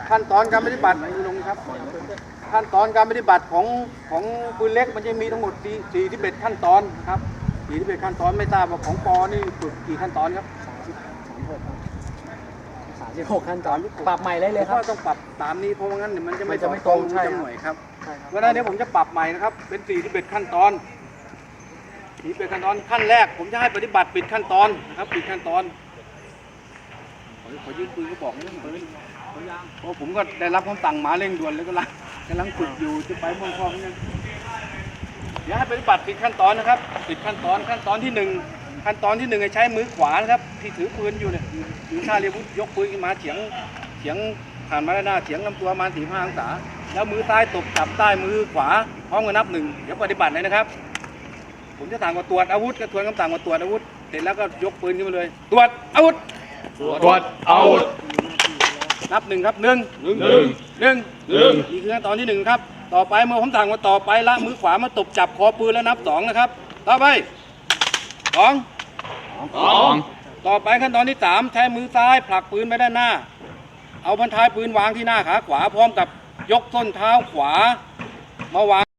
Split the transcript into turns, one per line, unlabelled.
ขั้นตอนการปฏิบัติลงครับขั้นตอนการปฏิบัติของปืนเล็กมันจะมีทั้งหมด41ขั้นตอนครับ41ขั้นตอนไม่ทราบว่าของปอนี่ฝึกกี่ขั้นตอนครับ
36ขั้นตอนปรับใหม่ได้เลยครับ
ก็ต้องปรับตามนี้เพราะว่างั้นมันจะไม่ตรงใช่หน่วยครับเพราะฉะนั้นเดี๋ยวผมจะปรับใหม่นะครับเป็น41ขั้นตอน41ขั้นตอนขั้นแรกผมจะให้ปฏิบัติปิดขั้นตอนนะครับปิดขั้นตอนขอยืมปืนก็บอกนะปืนเพราะผมก็ได้รับคำสั่งมาเร่งด่วนแล้วก็กำลังฝึกอยู่จะไปเมืองทองนี่เดี๋ยวให้ปฏิบัติปิดขั้นตอนนะครับปิดขั้นตอนที่1ขั้นตอนที่1ให้ใช้มือขวานะครับที่ถือปืนอยู่เนี่ยถือท่าเรียวุธยกปืนขึ้นมาเฉียงผ่านมาด้านหน้าเฉียงลำตัวมา45 องศาแล้วมือซ้ายตบจับใต้มือขวาพร้อมกันนับ1เดี๋ยวปฏิบัติเลยนะครับผมจะสั่งว่าตรวจอาวุธก็ทวนคำสั่งว่าตรวจอาวุธเสร็จแล้วก็ยกปืนขึ้นมาเลยตรวจอาวุธนับ1ครับ1นี่คือขั้นตอนที่1ครับต่อไปเมื่อผมสั่งว่าต่อไปละมือขวามาตบจับคอปืนแล้วนับ2นะครับต่อไป2ต่อไปขั้นตอนที่3ใช้มือซ้ายผลักปืนไปด้านหน้าเอาบรรทายปืนวางที่หน้าขาขวาพร้อมกับยกส้นเท้าขวามาวาง